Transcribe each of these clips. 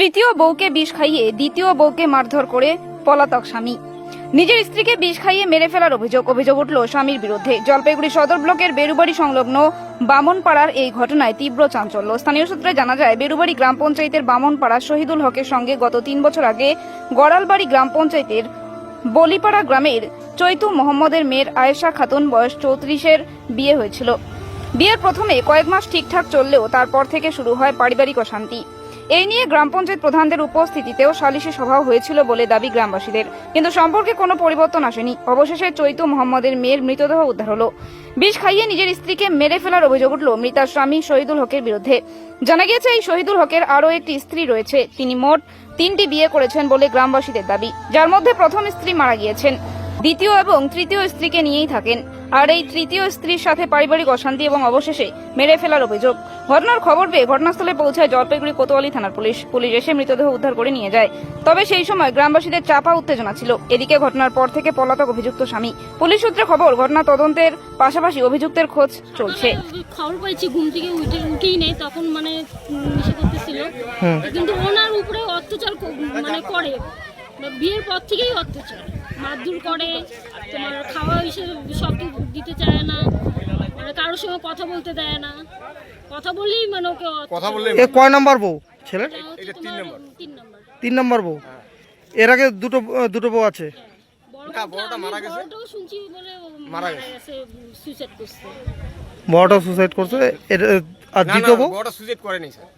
তৃতীয় বউকে বিষ খাইয়ে দ্বিতীয় বউকে মারধর করে পলাতক স্বামী। নিজের স্ত্রীকে বিষ খাইয়ে মেরে ফেলার অভিযোগ উঠল স্বামীর বিরুদ্ধে। জলপাইগুড়ি সদর ব্লকের বেরুবাড়ি সংলগ্ন বামনপাড়ার এই ঘটনায় তীব্র চাঞ্চল্য। স্থানীয় সূত্রে জানা যায়, বেরুবাড়ি গ্রাম পঞ্চায়েতের বামনপাড়া শহীদুল হকের সঙ্গে গত 3 বছর আগে গড়ালবাড়ি গ্রাম পঞ্চায়েতের বলিপাড়া গ্রামের চৈতু মোহাম্মদের মেয়ের আয়েশা খাতুন বয়স 34-এর বিয়ে হয়েছিল। বিয়ের প্রথমে কয়েক মাস ঠিকঠাক চললেও তারপর থেকে শুরু হয় পারিবারিক অশান্তি। এই নিয়ে গ্রাম পঞ্চায়েত প্রধানদের উপস্থিতিতেও সালিশি সভা হয়েছিল বলে দাবি গ্রামবাসীদের, কিন্তু সম্পর্কে কোনো পরিবর্তন আসেনি। অবশেষে চৈতু মোহাম্মদের মেয়ের মৃতদেহ উদ্ধার হলো। বিষ খাইয়ে নিজের স্ত্রীকে মেরে ফেলার অভিযোগ উঠল মৃতার স্বামী শহীদুল হকের বিরুদ্ধে। জানা গিয়েছে, এই শহীদুল হকের আরও একটি স্ত্রী রয়েছে। তিনি মোট 3টি বিয়ে করেছেন বলে গ্রামবাসীদের দাবি, যার মধ্যে প্রথম স্ত্রী মারা গিয়েছেন। দ্বিতীয় এবং তৃতীয় স্ত্রীকে নিয়েই থাকেন, আর এই তৃতীয় স্ত্রীর সাথে পারিবারিক অশান্তি এবং অবশেষে মেরে ফেলার অভিযোগ। ঘটনার খবর পেয়ে ঘটনাস্থলে পৌঁছায় জলপাইগুড়ি কোতোয়ালি থানার পুলিশ এসে মৃতদেহ উদ্ধার করে নিয়ে যায়। তবে সেই সময় গ্রামবাসীদের চাপা উত্তেজনা ছিল। এদিকে ঘটনার পর থেকে পলাতক অভিযুক্ত স্বামী। পুলিশ সূত্রে খবর, ঘটনা তদন্তের পাশাপাশি অভিযুক্তের খোঁজ চলছে। খবর পাইছি, ঘুম থেকে উঠেই নেই, তখন মানে নেশা করতেছিল, কিন্তু ওনার উপরে অত্যাচার মানে করে, বিয়ের পর থেকেই অত্যাচার, মারধর করে, তোমার খাওয়া হিসেবে সব দিতে চায় না, মানে কারোর সঙ্গে কথা বলতে দেয় না, কথা বললেই মানে ওকে কথা বললে। এ কয় নাম্বার বউ ছেলে? এটা 3 নম্বর। 3 নাম্বার বউ। এর আগে দুটো বউ আছে। না, বড়টা মারা গেছে। বড়টাও শুনছি বলে মারা গেছে, সুইসাইড করছে। বড়টা সুসাইড করছে। আর না, দ্বিতীয় বউ? বড়টা সুইসাইড করেনি স্যার।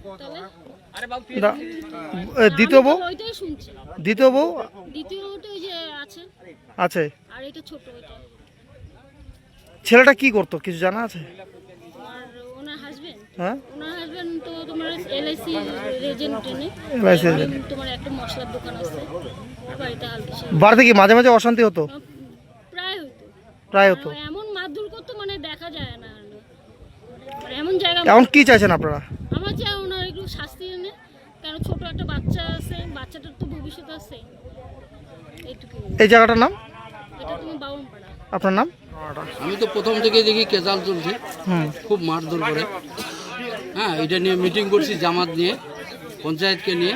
না, দ্বিতীয় বউ? ওইটাই শুনছি। দ্বিতীয় বউ দ্বিতীয়টা ওই যে আছে, আছে। আর এটা ছোট, ওইটা ছেলেটা কি করতো কিছু জানা আছে? আর ওনার হাজবেন্ড, হ্যাঁ, ওনার হাজবেন্ড তো তোমার এলআইসি এজেন্ট, LIC এজেন্ট। তোমার একটা মশলার দোকান আছে বাড়িতে হালকা, বাড়িতে কি মাঝে মাঝে অশান্তি হতো? প্রায় হতো। প্রায় হতো। এমন মারধর করতো মানে দেখা যায় না, মানে এমন জায়গা। এখন কি চাইছেন আপনারা? আমার চাই ওনার একটু শাস্তি এনে, কেন ছোট একটা বাচ্চা আছে, বাচ্চাটার তো ভবিষ্যৎ আছে, এইটুকু। এই জায়গাটার নাম? এটা তুমি বাউনপাড়া। আপনার নাম? আমি তো প্রথম থেকে দেখি কেজাল চলছে, খুব মারধর করে। হ্যাঁ, এটা নিয়ে মিটিং করছি, জামাত নিয়ে, পঞ্চায়েতকে নিয়ে,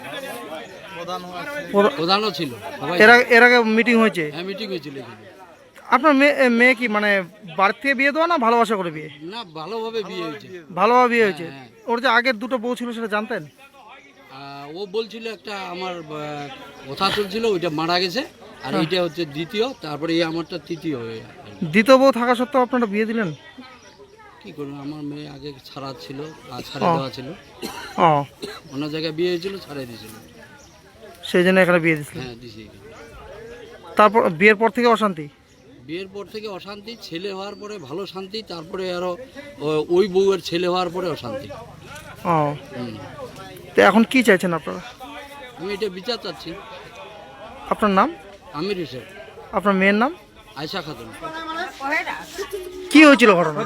প্রধানও ছিল, সবাই। এর আগে মিটিং হয়েছে? হ্যাঁ, মিটিং হয়েছিল এখানে। আপনার মেয়ে কি মানে বাড়ি থেকে বিয়ে দেওয়া না ভালোবাসা করে বিয়ে? না, ভালোভাবে বিয়ে হয়েছে। ভালোভাবে বিয়ে হয়েছে। হ্যাঁ। ওর যে আগের দুটো বউ ছিল সেটা জানতেন? ও বলছিল একটা আমার কথা চলছিল, ওইটা মারা গেছে, আর এইটা হচ্ছে দ্বিতীয়, তারপরে এই আমারটা তৃতীয় হয়ে। দ্বিতীয় বউ থাকা সত্ত্বেও আপনারা বিয়ে দিলেন? কি করবো, আমার মেয়ে আগে ছাড়া ছিল, আর ছাড়ে দেওয়া ছিল, ও, অন্য জায়গায় বিয়ে হয়েছিল, ছাড়াই দিয়েছিল। সেই জন্য এখানে বিয়ে দিয়েছিলেন। হ্যাঁ, দিছি। তারপর বিয়ের পর থেকে অশান্তি? বিয়ের পর থেকে অশান্তি, ছেলে হওয়ার পরে ভালো শান্তি, তারপরে আরো ওই বউয়ের ছেলে হওয়ার পরে অশান্তি। ও, তো এখন কি চাইছেন আপনারা? আমি এটা বিচার চাচ্ছি। আপনার নাম? আমির হোসেন। আপনার মেয়ের নাম? আয়েশা খাতুন। কি হয়েছিল ঘটনা?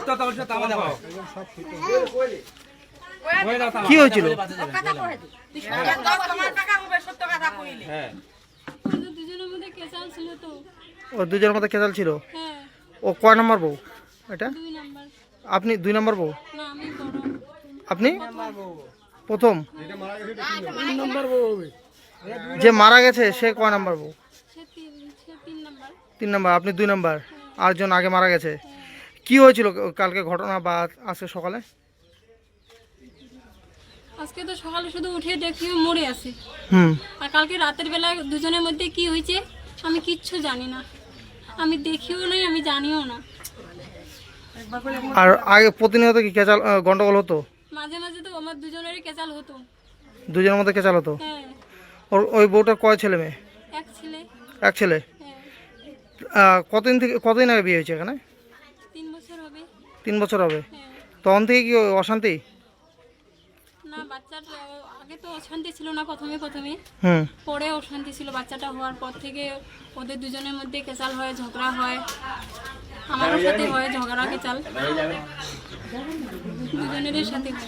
কি হয়েছিল? দুজনের মধ্যে কেসাল ছিল তো। ও দুজনের মধ্যে কেজাল ছিল। হ্যাঁ, ও কয় নাম্বার বউ এটা? 2 নাম্বার। আপনি 2 নাম্বার বউ? না, আমি বড়। আপনি প্রথম? যে মারা গেছে সে কয় নাম্বার বউ? সে 3 নাম্বার। 3 নাম্বার। আপনি 2 নাম্বার। আরেকজন আগে মারা গেছে। কি হয়েছিল কালকে ঘটনা বা আজকে সকালে? আজকে তো সকালে শুধু উঠে দেখি ও মরে আছে, হুম। আর কালকে রাতের বেলা দুজনের মধ্যে কি হয়েছে আমি কিচ্ছু জানি না, আমি দেখিও নাই, আমি জানিও না। আর আগে প্রতিনিয়ত কি কেচাল গন্ডগোল হতো? মাঝে মাঝে তো আমার দুজনেরই কেচাল হতো। দুজনের মধ্যে কেচাল হতো? হ্যাঁ, ওই বউটার কয় ছেলে মেয়ে? এক ছেলে। এক ছেলে। হ্যাঁ, কতদিন আগে বিয়ে হয়েছে এখানে? 3 বছর হবে। 3 বছর হবে। হ্যাঁ, তখন থেকে কি অশান্তি? না, বাচ্চার আগে তো অশান্তি ছিল না, প্রথমে হুম। পরে অশান্তি ছিল। বাচ্চাটা হওয়ার পর থেকে ওদের দুজনের মধ্যে কেচাল হয়, ঝগড়া হয়, আমারও সাথে হয় ঝগড়া কেচাল, দুজনেরই সাথে হয়।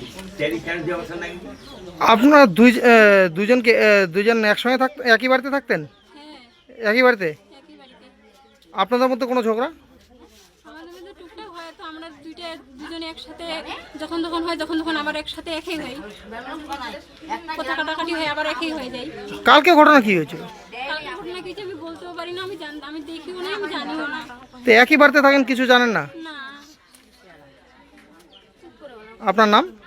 আপনারা দুজন একসঙ্গে একই বাড়িতে থাকতেন? হ্যাঁ, একই বাড়িতে? একই বাড়িতে। আপনাদের মধ্যে কোনো ঝগড়া? আমাদের মধ্যে টুকটাক হয়, তো আমরা দুজন দুজনে একসাথে যখন তখন হয়, যখন তখন আবার একসাথে একই হয়, কথা কাটাকাটি হয়, আবার একই হয়ে যায়। কালকে ঘটনা কি হয়েছিল? কালকে ঘটনা কিছু আমি বলতেও পারি না, আমি দেখিও না, আমি জানিও না। তো একই বাড়িতে থাকেন, কিছু জানেন না? না। আপনার নাম?